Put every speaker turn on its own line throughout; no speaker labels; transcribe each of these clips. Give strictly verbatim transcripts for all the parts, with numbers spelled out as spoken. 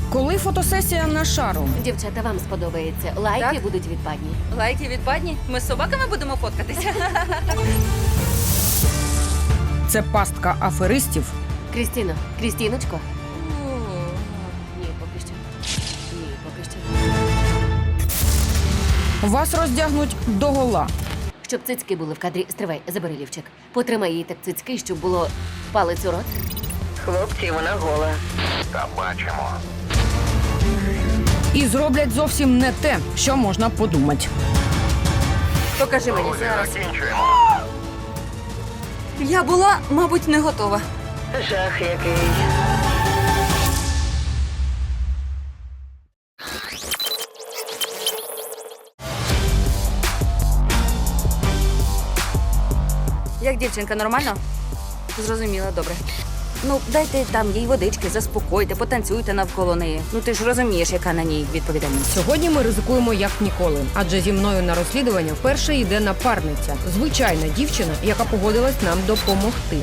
Коли фотосесія на шару?
Дівчата, вам сподобається. Лайки
Так?
будуть відпадні.
Лайки відпадні? Ми з собаками будемо фоткатися.
Це пастка аферистів.
Крістіно, Крістіночко. Ні, поки що. Ні, поки що.
Вас роздягнуть догола.
Щоб цицьки були в кадрі. Стривай, забери лівчик. Потримай її так цицьки, щоб було палець у рот.
Хлопці, вона гола.
Та бачимо.
І зроблять зовсім не те, що можна подумати.
Покажи мені
Друзі,
зараз.
закінчуємо.
Я була, мабуть, не готова.
Жах який.
Як дівчинка, нормально? Зрозуміла, добре. Ну, дайте там їй водички, заспокойте, потанцюйте навколо неї. Ну ти ж розумієш, яка на ній відповідальність.
Сьогодні ми ризикуємо як ніколи, адже зі мною на розслідування вперше йде напарниця. Звичайна дівчина, яка погодилась нам допомогти.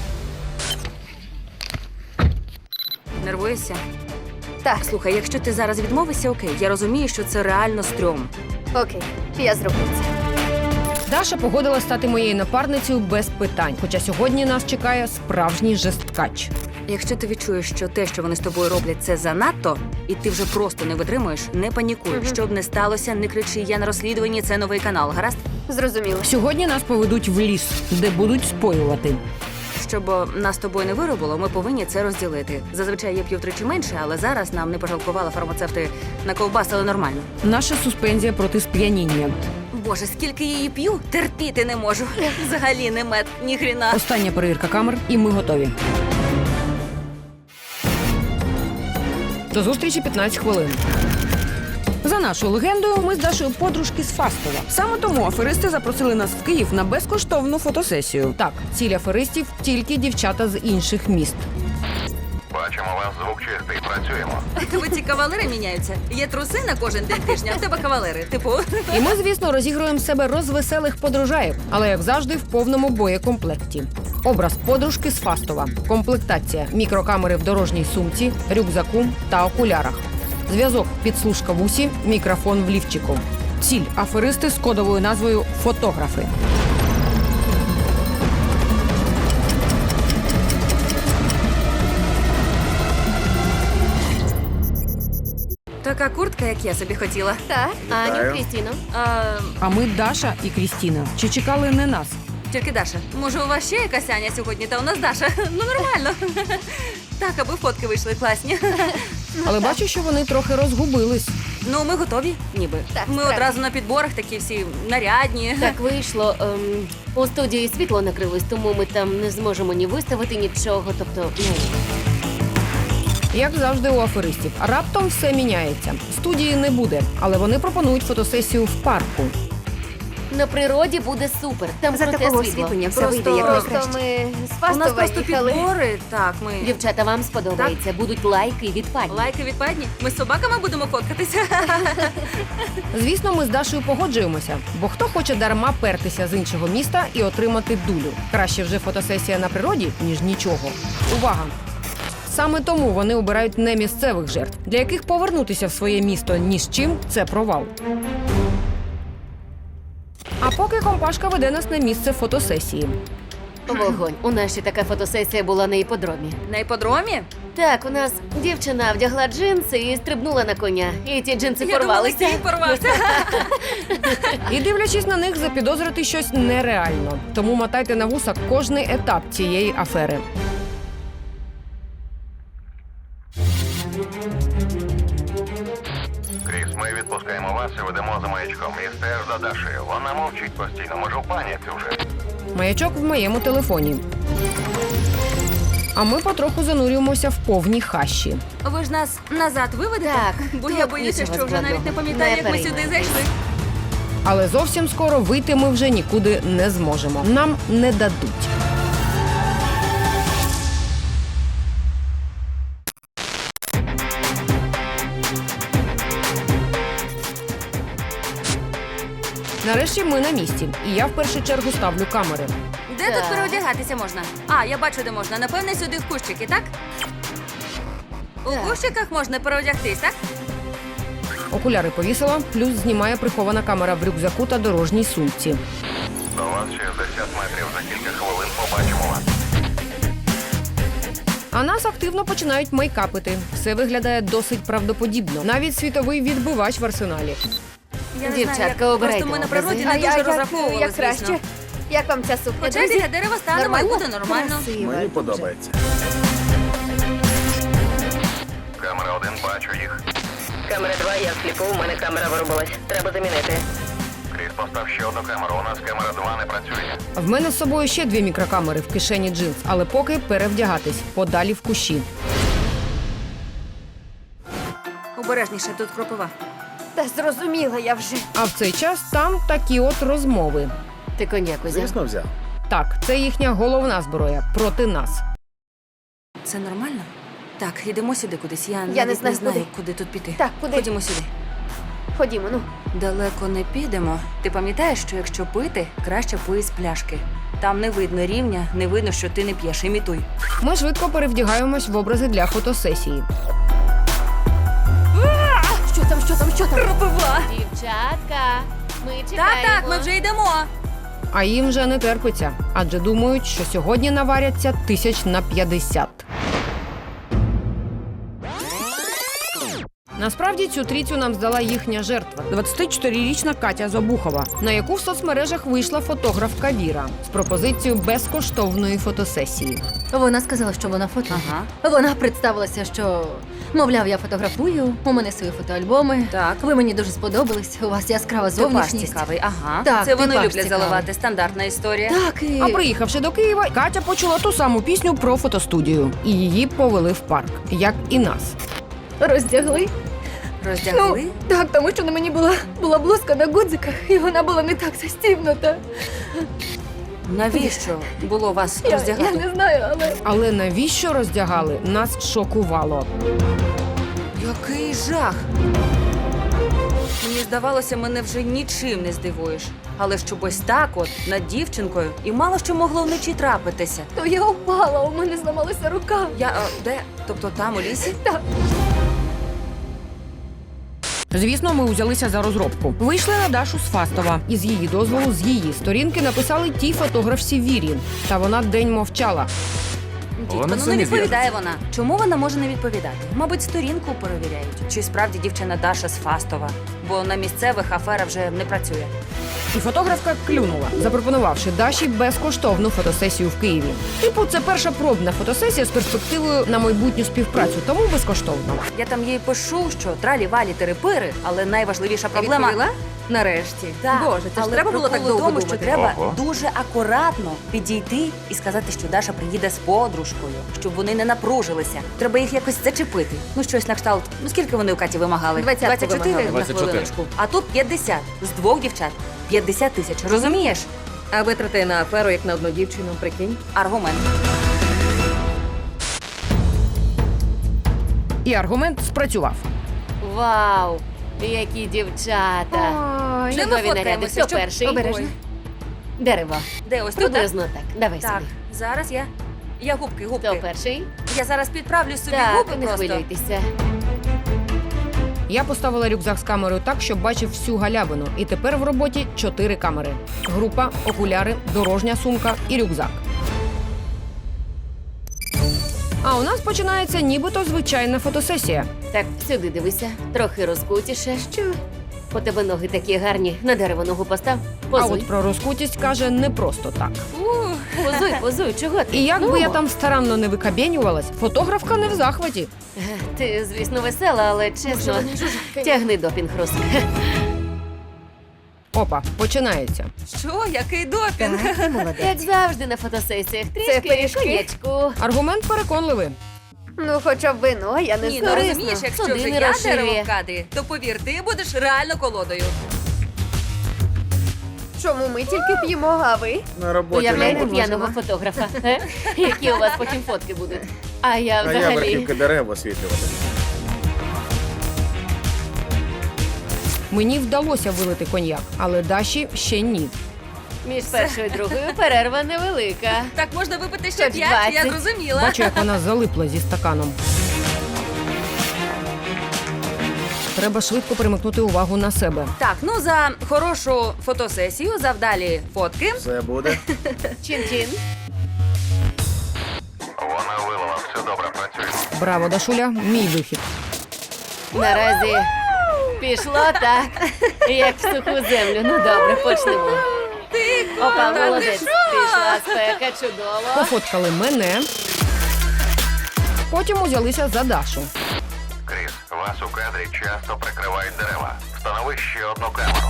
Нервуєшся?
Так.
Слухай, якщо ти зараз відмовишся, окей, я розумію, що це реально стрьом.
Окей, я зроблю це.
Даша погодилась стати моєю напарницею без питань, хоча сьогодні нас чекає справжній жесткач.
Якщо ти відчуєш, що те, що вони з тобою роблять, це занадто, і ти вже просто не витримуєш, не панікуй.
Мгм.
Щоб не сталося, не кричи, я на розслідуванні, це новий канал, гаразд?
Зрозуміло.
Сьогодні нас поведуть в ліс, де будуть споювати.
Щоб о, нас з тобою не виробило, ми повинні це розділити. Зазвичай я п'ю втричі менше, але зараз нам не пожалкували фармацевти на ковбаси, але нормально.
Наша суспензія проти сп'яніння.
Боже, скільки її п'ю, терпіти не можу. Взагалі не мед, ні хріна.
Остання перевірка камер, і ми готові. До зустрічі п'ятнадцять хвилин. За нашою легендою, ми з Дашою подружки з Фастова. Саме тому аферисти запросили нас в Київ на безкоштовну фотосесію. Так, ціль аферистів – тільки дівчата з інших міст.
Бачимо, у вас звук чистий. Працюємо.
У тебе ці кавалери міняються. Є труси на кожен день тижня, а в тебе кавалери. Типу,
І ми, звісно, розігруємо з себе розвеселих подружаїв, але, як завжди, в повному боєкомплекті. Образ подружки з Фастова. Комплектація – мікрокамери в дорожній сумці, рюкзаку та окулярах. Зв'язок – підслужка в усі, мікрофон в лівчику. Ціль – аферисти з кодовою назвою «Фотографи».
така куртка, як я собі хотіла.
Так.
Аню, Крістіно.
А,
А ми Даша і Крістіна. Чи чекали не нас?
тільки Даша. Може, у вас ще якась Аня сьогодні, та у нас Даша. Ну, нормально. Так, аби фотки вийшли класні.
Але бачу, що вони трохи розгубились.
Ну, ми готові, ніби.
Так,
Ми
справді.
одразу на підборах такі всі нарядні.
Так вийшло. Ем, у студії світло накрилось, тому ми там не зможемо ні виставити нічого. Тобто, ну.
Як завжди у аферистів. Раптом все міняється. Студії не буде, але вони пропонують фотосесію в парку.
На природі буде супер. Там
За
круте
такого
світло.
освітлення все
Просто-
вийде як
Просто
найкраще. Ми з
У нас
Фастова
просто
їхали.
підбори. Так, ми...
Дівчата, вам сподобається. Будуть лайки відпадні.
Лайки відпадні. Ми з собаками будемо фоткатися.
Звісно, ми з Дашою погоджуємося, бо хто хоче дарма пертися з іншого міста і отримати дулю? Краще вже фотосесія на природі, ніж нічого. Увага! Саме тому вони обирають не місцевих жертв, для яких повернутися в своє місто ні з чим – це провал. А поки компашка веде нас на місце фотосесії.
Вогонь. У нас ще така фотосесія була на іподромі.
На іподромі?
Так, у нас дівчина вдягла джинси і стрибнула на коня. І ті джинси
Я думала,
порвалися.
кінь порвався.
І дивлячись на них, запідозрити щось нереально. Тому мотайте на вуса кожний етап цієї афери.
Кріс, ми відпускаємо вас і ведемо за маячком. І стеж за Дашею. Вона мовчить постійно, може в паніці вже.
Маячок в моєму телефоні. А ми потроху занурюємося в повні хащі.
Ви ж нас назад виведете?
Так,
Бо
тут
я боюся,
нічого
що вже навіть не
складного.
пам'ятаю,
Не
як ми сюди
переймайтесь.
зайшли.
Але зовсім скоро вийти ми вже нікуди не зможемо. Нам не дадуть. Нарешті ми на місці, і я в першу чергу ставлю камери.
Де
Так.
тут переодягатися можна? А, я бачу, де можна. Напевне, сюди в кущики, так? У кущиках можна переодягтись, так?
Окуляри повісила, плюс знімає прихована камера в рюкзаку та дорожній сумці.
До вас шістдесят метрів, за кілька хвилин побачимо вас.
А нас активно починають мейкапити. Все виглядає досить правдоподібно. Навіть світовий відбивач в арсеналі.
Я не
Дівчатка,
знаю, як...
обирайте
Просто ми на
образи.
природі
А
не
я-
дуже
як-
розраховували,
як
звісно.
краще? Як вам ця сукня,
Хоча
друзі?
біля дерева станемо і
Нормально?
буде нормально.
Красиво.
Мені подобається.
Камера один, бачу їх.
Камера два, я сліпу, у мене камера вирубилась. Треба замінити.
Кріс, постав ще одну камеру. У нас камера два не працює.
В мене з собою ще дві мікрокамери в кишені джинс, але поки перевдягатись подалі в кущі.
Обережніше, тут кропива.
Та зрозуміла я вже.
А в цей час там такі от розмови.
Ти коньяк взяв?
Звісно, взяв.
Так, це їхня головна зброя проти нас.
Це нормально? Так, йдемо сюди кудись. Я,
не
навіть
знаю,
не знаю,
куди.
куди тут піти.
Так, куди?
Ходімо сюди.
Ходімо, ну.
Далеко не підемо. Ти пам'ятаєш, що якщо пити, краще пий з пляшки. Там не видно рівня, не видно, що ти не п'єш. Імітуй.
Ми швидко перевдягаємось в образи для фотосесії.
Що там, що там, що там?
Кропива!
Дівчатка, ми
Так,
чекаємо.
так, ми вже йдемо.
А їм вже не терпиться, адже думають, що сьогодні наваряться тисяч на п'ятдесят. Насправді цю трійцю нам здала їхня жертва – двадцятичотирирічна Катя Забухова, на яку в соцмережах вийшла фотографка Віра з пропозицією безкоштовної фотосесії.
Вона сказала, що вона фото.
Ага.
Вона представилася, що, мовляв, я фотографую, у мене свої фотоальбоми.
Так.
Ви мені дуже сподобались, у вас яскрава
Типаж
зовнішність.
цікавий, ага.
Так,
Це вони
типаж
люблять
цікавий.
заливати. Стандартна історія.
Так, і...
А приїхавши до Києва, Катя почула ту саму пісню про фотостудію. І її повели в парк, як і нас.
Роздягли?
Роздягли?
Ну, так, тому що на мені була, була блузка на гудзиках, і вона була не так застібнута.
Навіщо було вас
Я, я
роздягати?
не знаю, але...
Але навіщо роздягали, нас шокувало.
Який жах! Мені здавалося, мене вже нічим не здивуєш. Але щоб ось так от, над дівчинкою, і мало що могло вночі трапитися.
То я упала, у мене зламалася рука.
Я, а, де? Тобто там, у лісі?
Так.
Звісно, ми узялися за розробку. Вийшли на Дашу з Фастова. І з її дозволу, з її сторінки написали тій фотографці Вірі. Та вона день мовчала.
Дідько,
Вона
ну не
самі
відповідає вона. Чому вона може не відповідати? Мабуть, сторінку перевіряють. Чи справді дівчина Даша з Фастова? Бо на місцевих афера вже не працює.
І фотографка клюнула, запропонувавши Даші безкоштовну фотосесію в Києві. Типу, це перша пробна фотосесія з перспективою на майбутню співпрацю, тому безкоштовно.
Я там їй пишу, що тралі-валі терепири, але найважливіша проблема.
Нарешті.
Так,
Боже, це
але
ж треба було так
прикол у
довго
тому, що
думати.
треба
Ого.
дуже акуратно підійти і сказати, що Даша приїде з подружкою, щоб вони не напружилися. Треба їх якось зачепити. Ну щось на кшталт. Ну скільки вони у Каті вимагали?
Двадцятку
двадцять чотири
вимагали.
на
двадцять чотири.
хвилиночку. А тут п'ятдесят. З двох дівчат. п'ятдесят тисяч. Розумієш?
А витрати на аферу, як на одну дівчину, прикинь.
Аргумент.
І аргумент спрацював.
Вау, які дівчата.
Ой,
Де ми
Чудові наряди.
фоткаємося?
Хто
Щоб-
перший?
Обережно.
Дерево.
Де ось тут? так?
Приблизно так. Давай
Так,
собі.
зараз я. Я губки,
Хто
губки.
перший?
Я зараз підправлю собі
Так,
губи
не
просто.
хвилюйтеся.
Я поставила рюкзак з камерою так, щоб бачив всю галявину. І тепер в роботі чотири камери: група, окуляри, дорожня сумка і рюкзак. А у нас починається нібито звичайна фотосесія.
Так, сюди дивися. Трохи розкутіше. Що? У тебе ноги такі гарні. На дерево ногу постав.
А
Позуй.
от про розкутість каже не просто так.
Позуй, позуй. Чого ти?
І як би
Ну.
я там старанно не викабєнювалась, фотографка не в захваті.
Ти, звісно, весела, але чесно. Тягни допінг, Рус.
Опа, починається.
Що? Який допінг?
Як завжди на фотосесіях. Трішки
пиріжки?
коньячку.
Аргумент переконливий.
Ну, хоча б вино, я не
Ні, ну
знаю.
розумієш, якщо
Судини
вже я
розширює.
дерево в кадрі, то повір, ти будеш реально колодою.
Чому ми тільки п'ємо, а ви?
На роботі
Уявляєте
не можу.
п'яного фотографа, е? Які у вас потім фотки будуть. А я
А я
взагалі.
верхівки дерев освітлювати.
Мені вдалося вилити коньяк, але Даші ще ні.
Між першою і другою перерва невелика.
Так можна випити ще
Хоч
п'ять, я
двадцять.
зрозуміла.
Бачу, як вона залипла зі стаканом. Треба швидко перемикнути увагу на себе.
Так, ну за хорошу фотосесію, за вдалі фотки.
Все буде.
Чин-чин.
Вона вилила, все добре працює.
Браво, Дашуля, мій вихід.
Наразі пішло так, як в суху землю. Ну добре, почнемо. Опа, молодець. Пішла спека, чудово.
Пофоткали мене. Потім узялися за Дашу.
Кріс, вас у кадрі часто прикривають дерева. Встанови ще одну камеру.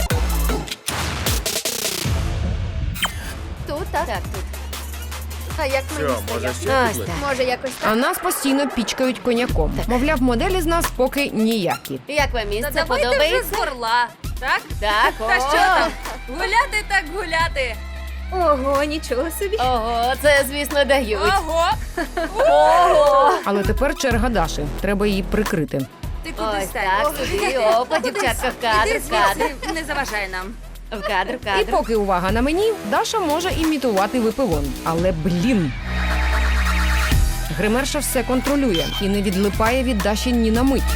Тут, так?
Так, тут.
А як
Все,
мені
може
стояти?
ще
Ось
підлить?
так.
Може, якось так?
А нас постійно пічкають коньяком. Мовляв, моделі з нас поки ніякі.
Як вам
Та
місце
давайте вже
подобається?
з горла. Так?
Так,
Та
о.
що там? Гуляти так гуляти.
Ого, нічого собі.
Ого, це, звісно, дають.
Ого!
Ого!
Але тепер черга Даші. Треба її прикрити.
Ти кудись
Ось
стань.
так, сюди, опа, дівчатка, в кадр,
Іди
в кадр,
звідси, не заважай нам.
в кадр, в
І
кадр.
поки увага на мені, Даша може імітувати випивон. Але блін. Гримерша все контролює і не відлипає від Даші ні на мить.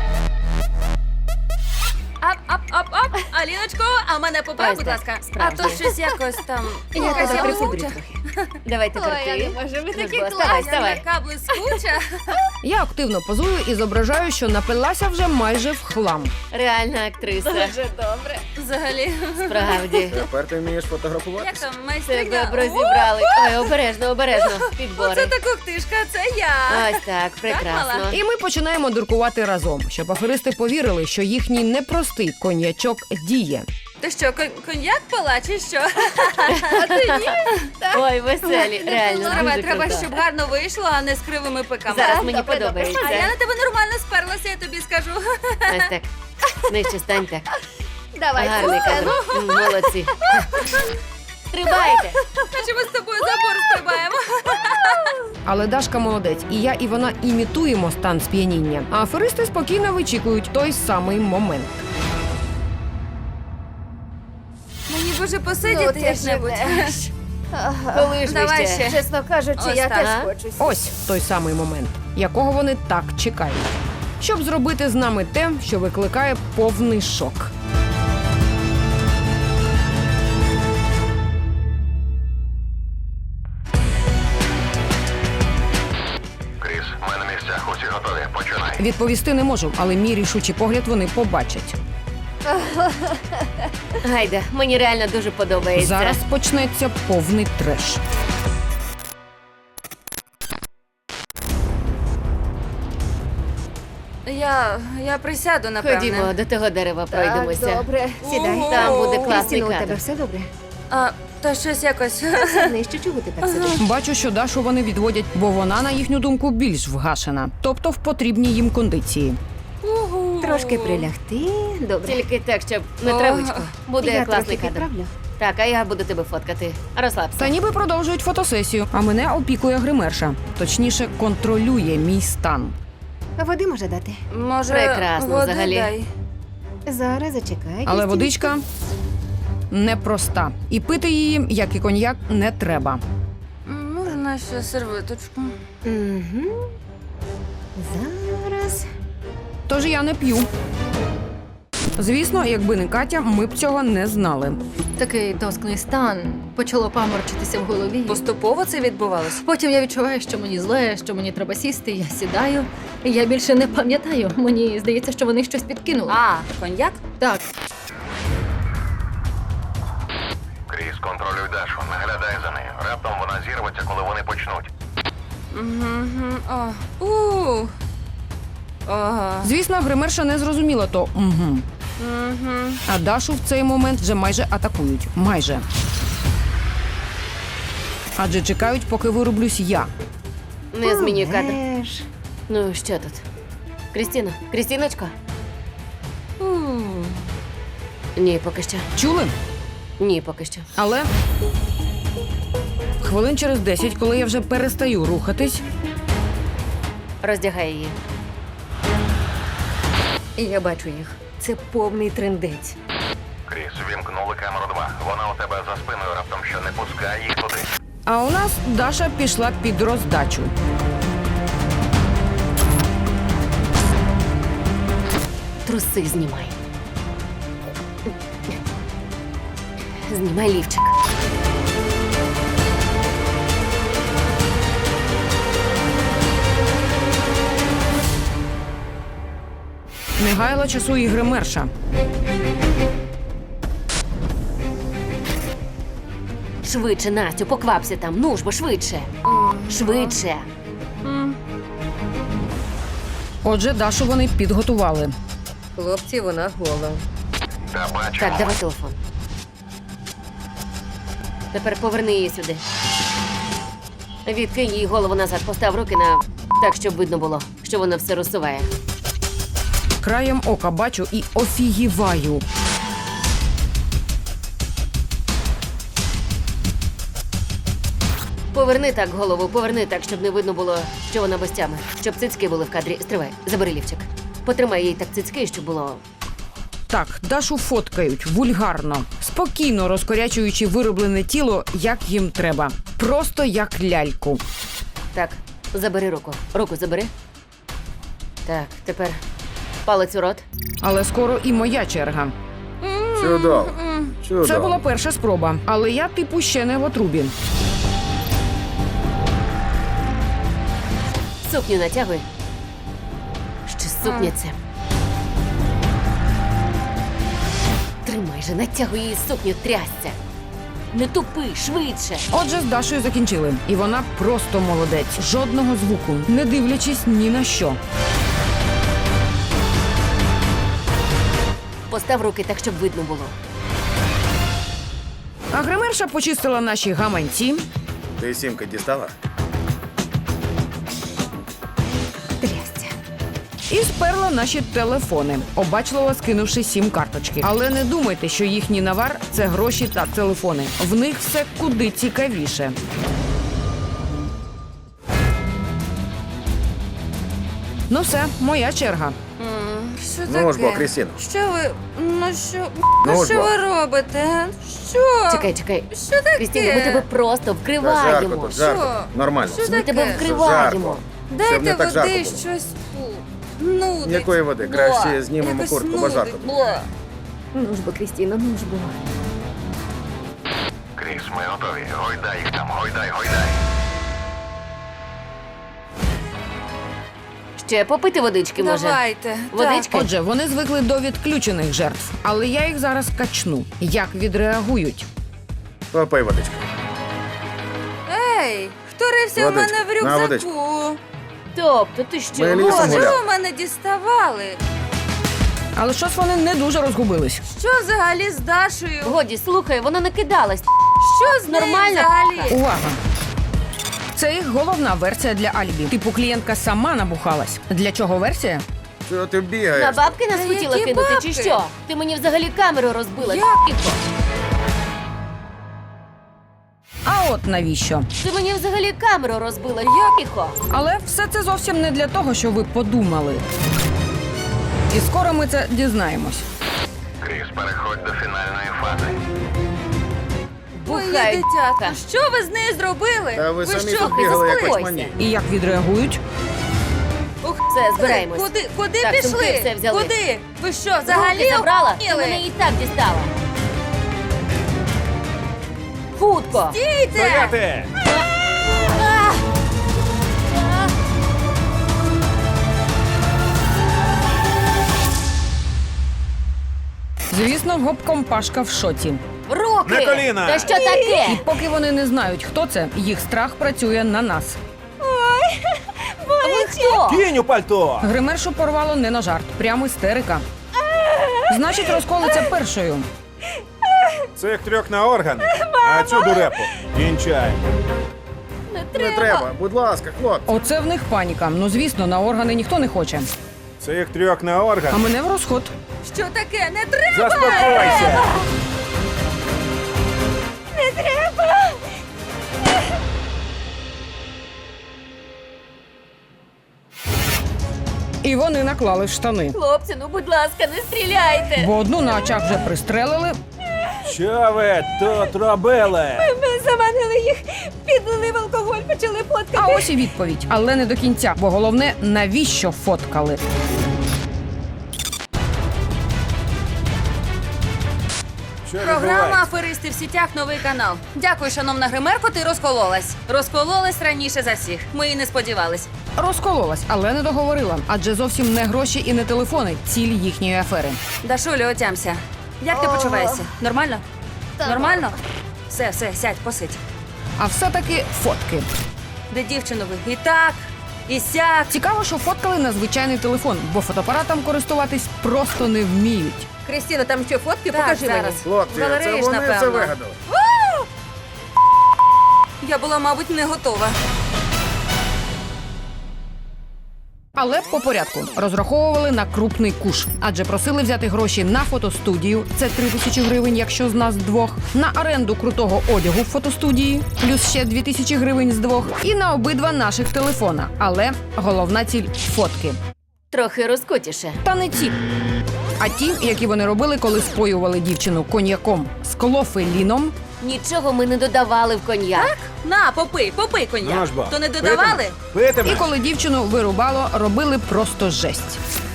Ап, ап, ап, ап. Аліночко, а мене поправ,
Ось
будь
так,
ласка. А
справді.
то щось якось там.
Я
якась
тебе
я
прикудрю
блискуча.
трохи. Давай тепер
Ой, я
ти.
не можу, ви
Ну,
такі
будь ласка,
класні.
Вставай, вставай.
Яка блискуча.
Я активно позую і зображаю, що напилася вже майже в хлам.
Реальна актриса.
Дуже добре.
Взагалі.
Справді.
Тепер ти вмієш
Як
фотографуватися?
там,
Тебе
майстриня?
б розібрали. Ой, обережно, обережно.
Оце
Підбори.
та кухтишка, це я.
Ось так, прекрасно.
мала?
І ми починаємо дуркувати разом, щоб аферисти повірили, що їхній непростий коньячок діє.
Ти що, кон- коньяк пила чи що?
Ой, веселі, реально,
Треба,
дуже
треба,
круто.
щоб гарно вийшло, а не з кривими пиками.
Зараз мені
Добре, добре.
подобається.
А я на тебе нормально сперлася, я тобі скажу.
Ось так. Нижче стань так.
Давай,
Гарний
Сусано.
кадр. М, Молодці. Стрибайте.
Наче ми з тобою забор стрибаємо.
Але Дашка молодець, і я, і вона імітуємо стан сп'яніння. А аферисти спокійно вичікують той самий момент.
Мені б уже
Ну,
посидіти
ти
як-небудь.
живеш. Ага.
Коли ж ви
Давай
ще?
ще.
Чесно кажучи,
Ось
я
так.
теж
Ага.
хочу.
Ось той самий момент, якого вони так чекають. Щоб зробити з нами те, що викликає повний шок.
Кріс, ми на місцях, усі готові. Починай.
Відповісти не можу, але мій рішучий погляд вони побачать.
Гайда, мені реально дуже подобається.
Зараз почнеться повний треш.
Я, я присяду, напевне.
Ходімо, до того дерева
Так,
пройдемося.
добре. Сідай.
Ого.
Там буде класний
Крістіно, у тебе
кадр.
все добре?
А, та щось якось.
Нижче, чого ти так сидиш?
Бачу, що Дашу вони відводять, бо вона, на їхню думку, більш вгашена. Тобто в потрібній їм кондиції.
Трошки прилягти. Добре.
Тільки так, щоб не
О.
травичку. Буде
я
класний
трохи
кадр.
підправлю.
Так, а я буду тебе фоткати. Розслабся.
Та ніби продовжують фотосесію, а мене опікує гримерша. Точніше, контролює мій стан.
А води може дати?
Може,
Прекрасно,
води
взагалі.
дай.
Зараз зачекай.
Але
Крістіно.
водичка непроста. І пити її, як і коньяк, не треба.
М, Можна ще сервиточку.
Угу. Зараз.
Тож я не п'ю. Звісно, якби не Катя, ми б цього не знали.
Такий тоскний стан. Почало паморчитися в голові.
Поступово це відбувалося?
Потім я відчуваю, що мені зле, що мені треба сісти. Я сідаю. І я більше не пам'ятаю. Мені здається, що вони щось підкинули.
А, коньяк?
Так,
Кріс, контролюй Дашу, наглядай за нею. Раптом вона зірветься, коли вони почнуть.
Угу. О. У. Ага.
Звісно, гримерша не зрозуміла то угу.
Угу.
А Дашу в цей момент вже майже атакують. Майже. Адже чекають, поки вирублюсь я.
Не змінюй кадр.
Помреш.
Ну, що тут? Крістіна? Крістіночко? Ні, поки що.
Чули?
Ні, поки що.
Але хвилин через десять, коли я вже перестаю рухатись,
Роздягай її.
Я бачу їх. Це повний трендець.
Кріс, вімкнули камеру два. Вона у тебе за спиною, раптом що не пускай їх туди.
а у нас Даша пішла під роздачу.
Труси знімай. Знімай лівчик.
Не гайла часу і гримерша.
Швидше, Настю, поквапся там. Ну ж бо швидше. Швидше.
Отже, Дашу вони підготували.
Хлопці, вона гола.
Та бачимо.
Так, давай телефон. Тепер поверни її сюди. Відкинь їй голову назад, постав руки на так, щоб видно було, що вона все розсуває.
Краєм ока бачу і офігіваю.
Поверни так голову, поверни так, щоб не видно було, що вона без тями. Щоб цицьки були в кадрі. Стривай, забери лівчик. Потримай їй так цицьки, щоб було.
Так, Дашу фоткають вульгарно, спокійно розкорячуючи вироблене тіло, як їм треба. Просто як ляльку.
Так, забери руку. Руку забери. Так, тепер палець у рот.
Але скоро і моя черга.
Чудово. Чудово.
Це була перша спроба, але я типу ще не в отрубі.
Сукню натягуй. Ще сукня це. Тримай же, натягуй її сукню, трясся. Не тупи, швидше.
Отже, з Дашою закінчили. І вона просто молодець. Жодного звуку, не дивлячись ні на що.
Постав руки так, щоб видно було.
А гримерша почистила наші гаманці,
Ти сімки дістала?
Трясця.
і сперла наші телефони, обачливо скинувши сім карточки. Але не думайте, що їхній навар – це гроші та телефони. В них все куди цікавіше. Ну все, моя черга.
Що
Ну ж бо, Крістіно.
Що ви? Ну що?
Ну ж бо.
робите? Що?
Чекай, чекай.
Що таке?
Крістіна, ми тебе просто
Та жарко
вкриваємо.
тут, жарко.
Що?
Нормально.
Що
Ми тебе
таке?
вкриваємо.
Щоб не
Дайте
так жарко
води,
було.
щось. Фу. Нудить.
Ніякої води.
Бла.
Краще знімемо
Якось
куртку, бо
нудить.
жарко.
Бла.
Ну ж бо, Крістіно, ну ж бо.
Кріс, ми готові. Гойдай їх там, гойдай, гойдай.
Ще попити водички, може?
Давайте.
Водички?
Отже, вони звикли до відключених жертв, але я їх зараз качну. Як відреагують?
Попий водички.
Так. Ей, хто рився у
Водички.
мене в
На водичку.
рюкзаку?
Тобто, ти що?
Ми лісом
Боже,
гуляли.
що ви мене діставали?
Але щось вони не дуже розгубились.
Що взагалі з Дашею?
Годі, слухай, вона накидалась.
Що з нею
Нормально?
взагалі?
Увага! Це їх головна версія для алібі. Типу клієнтка сама набухалась. Для чого версія?
Що ти
На
бігаєш?
бабки нас
Та
хотіла
які
кинути,
бабки?
чи що? Ти мені взагалі камеру розбила.
Як?
Тихо.
А от навіщо?
Ти мені взагалі камеру розбила. Тихо.
Але все це зовсім не для того, що ви подумали. І скоро ми це дізнаємось.
Кріс, переходь до фінальної фази.
Моє
Бухай.
дитятко, що ви з нею зробили?
Та ви самі
що,
тут бігали, як
заспокойся.
очмані.
І як відреагують?
Ух,
Все, збираємось.
Куди, куди
Так,
пішли?
сумки все взяли.
Куди? Ви що,
Взагалі
взагалі
забрала? Ти
охуєли?
мене і так дістала. Хутко.
Стійте!
Звісно, гопком Пашка в шоці.
Руки!
На коліна!
Та що таке?
І поки вони не знають, хто це, їх страх працює на нас.
Ви хто?
Кінь у пальто!
Гримершу порвало не на жарт, прямо істерика. Значить, розколиться першою.
Цих трьох на органи, а цю дурепу кінчай.
Не треба, будь ласка, хлопці.
Оце в них паніка. Ну, звісно, на органи ніхто не хоче.
Цих трьох на
А
органи.
мене в розход.
Що таке? Не треба!
Заспокойся!
І вони наклали в штани.
Хлопці, ну будь ласка, не стріляйте.
Бо одну на очах вже пристрелили,
Що ви тут робили?
Ми заманили їх, підлили в алкоголь, почали
а
фоткати.
ось і відповідь. Але не до кінця, бо головне, навіщо фоткали.
Що
Програма
відбувається?
«Аферисти в сітях» новий канал. Дякую, шановна гримерко, ти розкололась. Розкололась раніше за всіх. Ми і не сподівались.
Розкололась, але не договорила, адже зовсім не гроші і не телефони ціль їхньої афери.
Дашулю, отямся. Як ти почуваєшся? Нормально? Нормально? Все, все, сядь, посидь.
А все-таки фотки.
Де дівчину ви? І так, і сяк.
Цікаво, що фоткали на звичайний телефон, бо фотоапаратом користуватись просто не вміють.
Крістіна, там що, фотки?
Так,
Покажи
зараз.
мені.
Хлопці, це
Галереї ж,
вони
напевно.
це вигадали.
Я була, мабуть, не готова.
Але по порядку розраховували на крупний куш, адже просили взяти гроші на фотостудію, це три тисячі гривень, якщо з нас двох, на оренду крутого одягу в фотостудії, плюс ще дві тисячі гривень з двох, і на обидва наших телефона. Але головна ціль фотки.
Трохи розкутіше.
Та не ті. А ті, які вони робили, коли споювали дівчину коньяком з клофеліном,
Нічого ми не додавали в коньяк.
На, попий, попий коньяк.
Ну ж бо.
То не додавали?
Питиме.
і коли дівчину вирубало, робили просто жесть.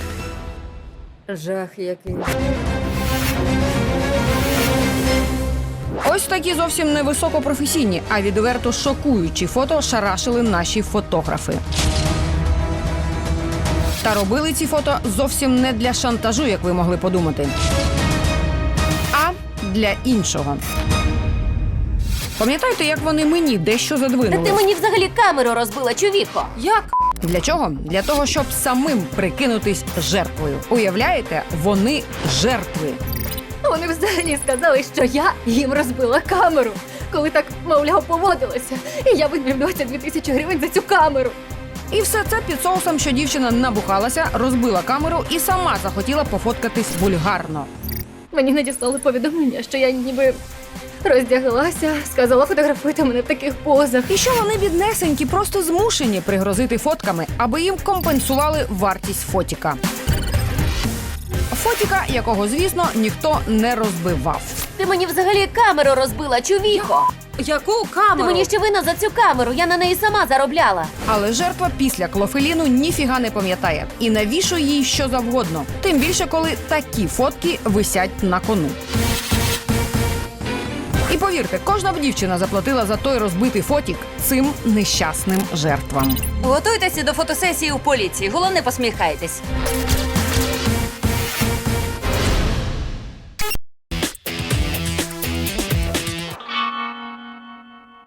Жах який.
Ось такі зовсім не високопрофесійні, а відверто шокуючі фото шарашили наші фотографи. Та робили ці фото зовсім не для шантажу, як ви могли подумати, а для іншого. Пам'ятаєте, як вони мені дещо
Та
задвинули?
ти мені взагалі камеру розбила, чувіхо.
Як?
Для чого? Для того, щоб самим прикинутись жертвою. Уявляєте, вони жертви.
Вони взагалі сказали, що я їм розбила камеру, коли так, мовляв, поводилася. І я вибив двадцять дві тисячі гривень за цю камеру.
І все це під соусом, що дівчина набухалася, розбила камеру і сама захотіла пофоткатись вульгарно.
Мені надіслали повідомлення, що я ніби роздяглася, сказала, фотографуйте мене в таких позах.
І що вони біднесенькі, просто змушені пригрозити фотками, аби їм компенсували вартість фотіка. Фотіка, якого, звісно, ніхто не розбивав.
Ти мені взагалі камеру розбила, чувіхо.
Яку
Ти
камеру?
мені ще винна за цю камеру, я на неї сама заробляла.
Але жертва після клофеліну ніфіга не пам'ятає і навішує їй що завгодно. Тим більше, коли такі фотки висять на кону. І повірте, кожна б дівчина заплатила за той розбитий фотік цим нещасним жертвам.
Готуйтеся до фотосесії у поліції. Головне, посміхайтесь.